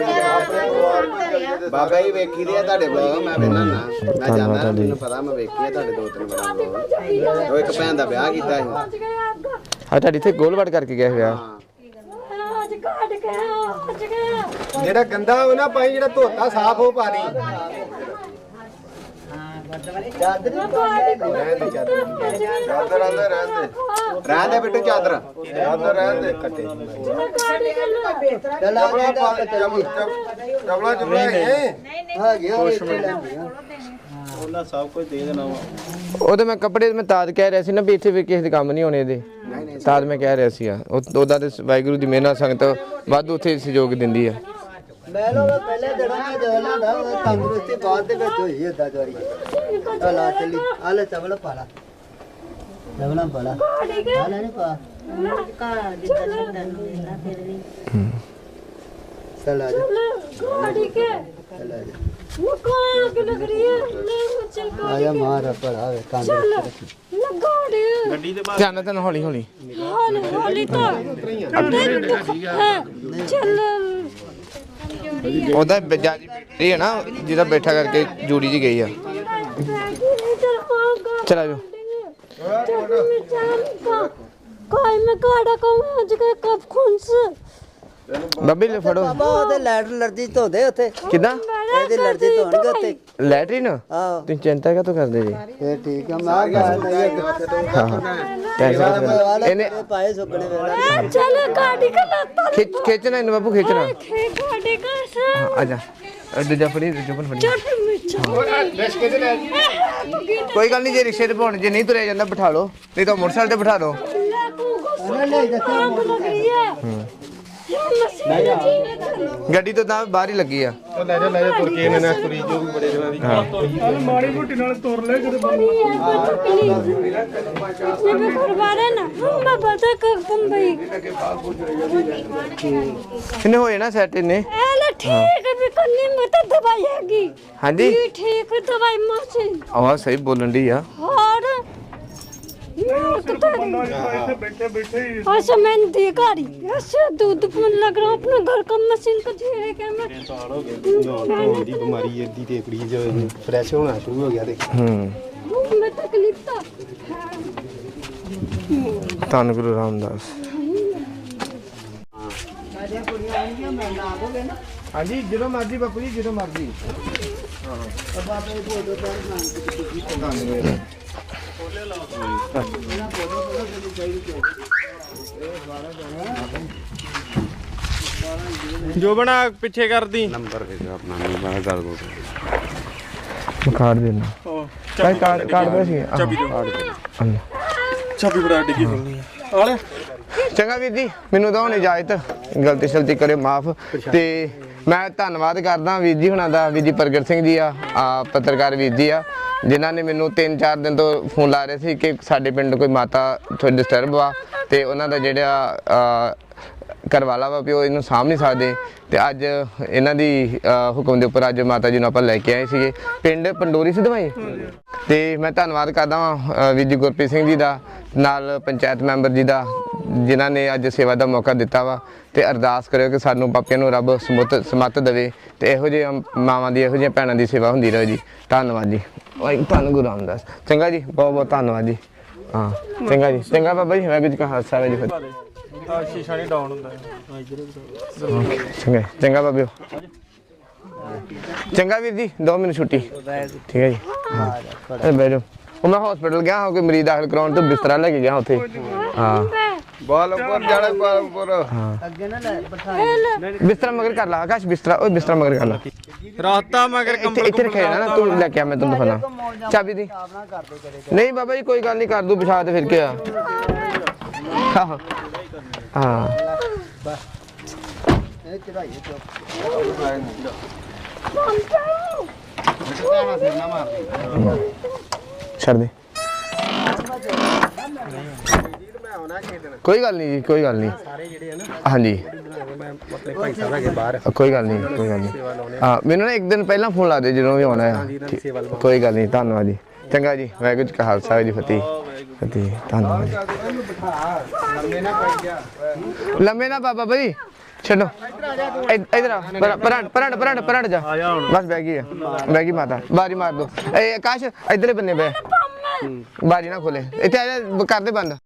Speaker 4: ਬਾਬਾ ਜੀ ਵੇਖੀ ਦੇ ਆ ਤੁਹਾਡੇ ਬਲੌਗ ਮੈਂ ਵੇਖਣਾ ਨਾ ਮੈਂ ਜਾਂਦਾ ਮੈਨੂੰ ਪਤਾ ਮੈਂ ਵੇਖੀ ਆ ਤੁਹਾਡੇ ਦੋ ਤਿੰਨ ਬਲੌਗ ਉਹ ਇੱਕ ਭੈਣ ਦਾ ਵਿਆਹ ਕੀਤਾ ਸੀ
Speaker 2: ਹਾਂ ਤੁਹਾਡੀ ਇੱਥੇ ਗੋਲਵਾੜ ਕਰਕੇ ਗਿਆ ਹੋਇਆ
Speaker 6: ਅੱਜ ਕੱਢ ਕੇ ਅੱਜ ਗਿਆ
Speaker 4: ਜਿਹੜਾ ਗੰਦਾ ਉਹ ਨਾ ਪਾਈ ਜਿਹੜਾ ਧੋਤਾ ਸਾਫ਼ ਹੋ ਪਾ ਦੀ
Speaker 3: ਚਾਦਰ ਆਂਦੇ ਰਹਿੰਦੇ
Speaker 4: ਰਹਿੰਦੇ ਬਿੱਟੂ ਚਾਦਰ
Speaker 3: ਚਾਦਰ ਰਹਿੰਦੇ ਕੱਟੇ
Speaker 1: ਚਲਾ
Speaker 3: ਚਪਲਾਂ ਪਾ ਚਪਲਾਂ ਚਪਲਾਂ ਹੈ
Speaker 1: ਹਾਂ ਗਿਆ ਉਹ ਇੱਥੇ ਲੈਂਦੀਆਂ
Speaker 5: ਉਹਨਾਂ ਸਭ ਕੁਝ ਦੇ ਦੇਣਾ ਵਾ
Speaker 2: ਉਹਦੇ ਮੈਂ ਕੱਪੜੇ ਮੈਂ ਤਾਦ ਕਹਿ ਰਿਹਾ ਸੀ ਨਾ ਵੀ ਇੱਥੇ ਵੀ ਕਿਸੇ ਦੇ ਕੰਮ ਨਹੀਂ ਹੋਣੇ ਇਹਦੇ ਤਾਦ ਮੈਂ ਕਹਿ ਰਿਹਾ ਸੀ ਆ ਉਹਦਾ ਤੇ ਵਾਹਿਗੁਰੂ ਦੀ ਮਿਹਰ ਨਾਲ ਸੰਗਤ ਵੱਧ ਉੱਥੇ ਸਹਿਯੋਗ ਦਿੰਦੀ ਆ
Speaker 1: ਮੈਂ ਲੋਕ ਪਹਿਲੇ ਦਿਨਾਂ ਮੈਂ ਜਦੋਂ ਲਾਂਦਾ ਉਹ ਤੰਦਰੁਸਤੀ ਬਾਅਦ ਦੇ ਵਿੱਚ ਹੋਈ ਏਦਾਂ ਜਵਾਰੀ ਆ ਲਾ ਚੱਲੀ ਆ ਲੈ ਚਵਲ ਪਾ ਲਾ ਚਵਲਾਂ ਪਾ ਲਾ ਆ ਲੈ ਨਹੀਂ ਪਾ चल आ जा
Speaker 6: गाड़ी के
Speaker 1: चल आ जा
Speaker 6: वो कहाँ आग लग रही है ले वो चल
Speaker 1: आ
Speaker 6: गाड़ी
Speaker 1: जा मार पर आवे कांद
Speaker 6: चल ना गाड़ी
Speaker 5: ਗੱਡੀ ਦੇ ਬਾਹਰ
Speaker 2: ਧਿਆਨ ਨਾਲ ਹੌਲੀ ਹੌਲੀ
Speaker 6: हाल हाली तो है चल
Speaker 2: ਉਹਦਾ ਜਾਜੀ ਬੈਠੀ ਹੈ ਨਾ ਜਿਹਦਾ ਬੈਠਾ ਕਰਕੇ ਜੂੜੀ ਜੀ ਗਈ ਆ ਚਲਾ ਜਾਓ
Speaker 6: कोई में गाड़ा को आज के कब खून से
Speaker 2: ਬੱਬੀ ਲੈ ਫੜੋ
Speaker 1: ਬਾਬਾ ਉਹਦੇ ਲੈਟਰ ਲਰਜੀ ਧੋਦੇ ਉੱਥੇ
Speaker 2: ਕਿਦਾਂ
Speaker 1: ਇਹਦੀ ਲਰਜੀ ਧੋਣਗੇ ਉੱਥੇ
Speaker 2: ਲੈਟਰੀਨ
Speaker 1: ਆਹੋ
Speaker 2: ਤੁਸੀਂ ਚਿੰਤਾ ਕਾਹਤੋਂ ਕਰਦੇ ਜੀ
Speaker 1: ਫੇਰ ਠੀਕ ਆ ਮੈਂ ਗੱਲ ਨਹੀਂ
Speaker 2: ਹਾਂ ਹਾਂ ਟੈਨਸ਼ਨ ਇਹਨੇ
Speaker 1: ਪਾਏ ਸੁਪਨੇ ਵੇਲਾ
Speaker 6: चल गाड़ी का लत्ता
Speaker 2: ਖਿੱਚ ਖਿੱਚਣਾ ਇਹਨੂੰ ਬਾਬੂ ਖਿੱਚਣਾ
Speaker 6: खे गाड़ी का से
Speaker 2: ਹਾਂ, ਆ ਜਾ ਦੂਜਾ ਫੜੀ ਜੁਬਨ ਫੜੀ
Speaker 6: चट में
Speaker 2: ਕੋਈ ਗੱਲ ਨਹੀਂ ਜੇ ਰਿਕਸ਼ੇ ਤੇ ਪਾਉਣ ਜੇ ਨਹੀਂ ਤੁਰਿਆ ਜਾਂਦਾ ਬਿਠਾ ਲਓ ਨਹੀਂ ਤਾਂ ਮੋਟਰਸਾਈਕਲ ਤੇ ਬਿਠਾ ਲਓ
Speaker 6: आग लग रही है
Speaker 2: ਗੱਡੀ ਤੋਂ ਤਾਂ ਬਾਹਰ ਹੀ ਲੱਗੀ ਆ
Speaker 4: ਲੈ ਜਾ ਲੈ ਜਾ ਤੁਰ ਕੇ ਇਹਨਾਂ ਨੇ ਤੁਰੀ ਜੋ ਵੀ ਬੜੇ ਜਣਾ ਦੀ
Speaker 5: ਚੱਲ ਮਾੜੀ ਮੋਟੀ ਨਾਲ ਤੁਰ ਲੈ ਕਿਤੇ
Speaker 2: ਇਹਨੇ ਹੋਏ ਨਾ ਸੈਟ ਇਹਨੇ ਹਾਂਜੀ
Speaker 6: ठीक दवाई मशीन
Speaker 2: ਆਵਾਜ਼ ਸਹੀ ਬੋਲਣ ਦੀ ਆ
Speaker 6: और
Speaker 5: ਇੱਥੇ ਬੈਠੇ ਬੈਠੇ ਹੀ
Speaker 6: अच्छा मैंने देखा रही ऐसे दूध पीने लग रहा हूँ अपने घर का मशीन को धीरे के मैं
Speaker 4: ਦੀ ਬਿਮਾਰੀ ਇਹਦੀ ਤੇ ਕੁੜੀ ਫਰੈਸ਼ ਹੋਣਾ ਸ਼ੁਰੂ ਹੋ ਗਿਆ ਤੇ
Speaker 2: ਹੂੰ
Speaker 6: मुंह में तकलीफ था
Speaker 2: ਧੰਨ ਗੁਰੂ ਰਾਮਦਾਸ
Speaker 1: ਨਾ ਮੈਂ ਨਾ ਆਵੋਗੇ ਨਾ
Speaker 2: ਹਾਂਜੀ ਜਦੋਂ ਮਰਜ਼ੀ ਬਾਪੂ ਜੀ ਜਦੋਂ ਮਰਜ਼ੀ
Speaker 1: ਅੱਬਾ ਮੇਰੇ ਕੋਲ ਦੋ ਚਾਰ ਨਾਮ ਕੀ
Speaker 2: ਧੰਨਵਾਦ
Speaker 5: ਜੋ ਬਣਾ ਪਿੱਛੇ ਕਰਦੀ
Speaker 3: ਨੰਬਰ ਦੇ ਆਪਣਾ ਨੰਬਰ ਕਰ ਦੋ
Speaker 2: ਕਾਰਡ ਦੇਣਾ
Speaker 5: ਉਹ
Speaker 2: ਕਾਰਡ ਕਾਰਡ ਕਾਰਡ ਦੇ ਸੀ
Speaker 5: ਚਾਬੀ ਦਿਓ ਚਾਬੀ ਬੜਾ ਡਿੱਗੀ ਹੁੰਦੀ ਆ ਆਲੇ
Speaker 2: ਚੰਗਾ ਵੀਰ ਜੀ ਮੈਨੂੰ ਤਾਂ ਹੁਣ ਇਜਾਜ਼ਤ ਗਲਤੀ ਸ਼ਲਤੀ ਕਰਿਓ ਮਾਫ ਤੇ ਮੈਂ ਧੰਨਵਾਦ ਕਰਦਾ ਵੀਰ ਜੀ ਹੁਣਾਂ ਦਾ ਵੀਰ ਜੀ ਪ੍ਰਗਟ ਸਿੰਘ ਜੀ ਆ ਆ ਪੱਤਰਕਾਰ ਵੀਰ ਜੀ ਆ ਜਿਨ੍ਹਾਂ ਨੇ ਮੈਨੂੰ ਤਿੰਨ ਚਾਰ ਦਿਨ ਤੋਂ ਫੋਨ ਲਾ ਰਹੇ ਸੀ ਕਿ ਸਾਡੇ ਪਿੰਡ ਕੋਈ ਮਾਤਾ ਥੋੜੀ ਡਿਸਟਰਬ ਆ ਤੇ ਉਹਨਾਂ ਦਾ ਜਿਹੜਾ ਕਰਵਾਲਾ ਵਾ ਪਿਓ ਇਹਨੂੰ ਸਾਂਭ ਨਹੀਂ ਸਕਦੇ ਤੇ ਅੱਜ ਇਹਨਾਂ ਦੀ ਹੁਕਮ ਦੇ ਉੱਪਰ ਅੱਜ ਮਾਤਾ ਜੀ ਨੂੰ ਆਪਾਂ ਲੈ ਕੇ ਆਏ ਸੀਗੇ ਪਿੰਡ ਪੰਡੋਰੀ ਸਿਧਵਾਈ ਤੇ ਮੈਂ ਧੰਨਵਾਦ ਕਰਦਾ ਹਾਂ ਵੀਰ ਜੀ ਗੁਰਪ੍ਰੀਤ ਸਿੰਘ ਜੀ ਦਾ ਨਾਲ ਪੰਚਾਇਤ ਮੈਂਬਰ ਜੀ ਦਾ ਜਿਨ੍ਹਾਂ ਨੇ ਅੱਜ ਸੇਵਾ ਦਾ ਮੌਕਾ ਦਿੱਤਾ ਵਾ ਤੇ ਅਰਦਾਸ ਕਰਿਓ ਕਿ ਸਾਨੂੰ ਪਾਪਿਆਂ ਨੂੰ ਰੱਬ ਸਮੁੱਤ ਸਮੱਤ ਦੇਵੇ ਤੇ ਇਹੋ ਜਿਹੇ ਮਾਵਾਂ ਦੀ ਇਹੋ ਜਿਹੀਆਂ ਭੈਣਾਂ ਦੀ ਸੇਵਾ ਹੁੰਦੀ ਰਹੇ ਜੀ ਧੰਨਵਾਦ ਜੀ ਵਾਹਿਗੁਰੂ ਧੰਨ ਗੁਰੂ ਰਾਮਦਾਸ ਚੰਗਾ ਜੀ ਬਹੁਤ ਬਹੁਤ ਧੰਨਵਾਦ ਜੀ ਹਾਂ ਚੰਗਾ ਜੀ ਚੰਗਾ ਬਾਬਾ ਜੀ ਵਾਹਿਗੁਰੂ ਜੀ ਕਾ ਖਾਲਸਾ ਵਾਹਿਗੁਰੂ ਜੀ ਕੀ ਫਤਿਹ
Speaker 5: ਆ ਸ਼ੀਸ਼ਾ ਨਹੀਂ ਡਾਊਨ ਹੁੰਦਾ
Speaker 2: ਚੰਗਾ ਚੰਗਾ ਬਾਬਿਓ ਚੰਗਾ ਵੀਰ ਜੀ ਦੋ ਮਿੰਟ ਛੁੱਟੀ ਠੀਕ ਹੈ ਜੀ ਹਾਂ ਬੈਠੋ ਉਹ ਮੈਂ ਹਸਪੀਟਲ ਗਿਆ ਹਾਂ ਕੋਈ ਮਰੀਜ਼ ਦਾਖਲ ਕਰਾਉਣ ਤੋਂ ਬਿਸਤਰਾ ਲੈ ਕੇ ਗਿਆ ਉੱਥੇ ਹਾਂ
Speaker 3: ਬਾਲਪੁਰ ਜਾਣਾ ਬਾਲਪੁਰ
Speaker 1: ਅੱਗੇ ਨਾ ਲੈ ਬਿਠਾਈ
Speaker 2: ਬਿਸਤਰਾ ਮਗਰ ਕਰ ਲਾ ਆਕਾਸ਼ ਬਿਸਤਰਾ ਉਹ ਬਿਸਤਰਾ ਮਗਰ ਕਰ ਲਾ
Speaker 5: ਰਾਤਾ ਮਗਰ
Speaker 2: ਇੱਥੇ
Speaker 5: ਕੰਬਲ
Speaker 2: ਇੱਥੇ ਰੱਖਿਆ ਨਾ ਤੂੰ ਲੈ ਕੇ ਆ ਮੈਂ ਤੈਨੂੰ ਦਿਖਾਣਾ ਚਾਬੀ ਦੀ ਨਹੀਂ ਬਾਬਾ ਜੀ ਕੋਈ ਗੱਲ ਨਹੀਂ ਕਰ ਦੂ ਪਿਛਾ ਤੇ ਫਿਰ ਕੇ ਆ ਹਾਂ ਹਾਂ
Speaker 1: ਇਹ ਚੜਾਈ ਚੁੱਪ
Speaker 2: ਛੱਡ ਦੇ ਕੋਈ ਗੱਲ ਨਹੀਂ ਜੀ ਕੋਈ ਗੱਲ ਨਹੀਂ ਸਾਰੇ ਜਿਹੜੇ ਆ ਨਾ ਹਾਂਜੀ ਮੈਂ ਆਪਣੇ ਭਾਈ ਸਾਹਿਬ ਹੈਗੇ ਬਾਹਰ ਕੋਈ ਗੱਲ ਨਹੀਂ ਕੋਈ ਗੱਲ ਨਹੀਂ ਹਾਂ ਮੈਨੂੰ ਨਾ ਇੱਕ ਦਿਨ ਪਹਿਲਾਂ ਫੋਨ ਲਾ ਦੇ ਜਦੋਂ ਵੀ ਆਉਣਾ ਹੈ ਕੋਈ ਗੱਲ ਨਹੀਂ ਧੰਨਵਾਦ ਜੀ ਚੰਗਾ ਜੀ ਵਾਹਿਗੁਰੂ ਜੀ ਕਾ ਖਾਲਸਾ ਜੀ ਫਤਿਹ ਫਤਿਹ ਧੰਨਵਾਦ ਲੰਮੇ ਨਾ ਬਾਬਾ ਬਈ ਛੱਡੋ ਇਧਰ ਆ ਪਰਾਂ ਪਰਾਂ ਪਰਾਂ ਪਰਾਂ ਜਾ ਬਸ ਬਹਿ ਗਈ ਆ ਬਹਿ ਗਈ ਮਾਤਾ ਬਾਰੀ ਮਾਰ ਦੋ ਇਹ ਆਕਾਸ਼ ਇਧਰਲੇ ਬੰਨੇ ਬੈ ਬਾਰੀ ਨਾ ਖੋਲੇ ਇੱਥੇ ਆ ਜਾ ਕਰ ਦੇ ਬੰਦ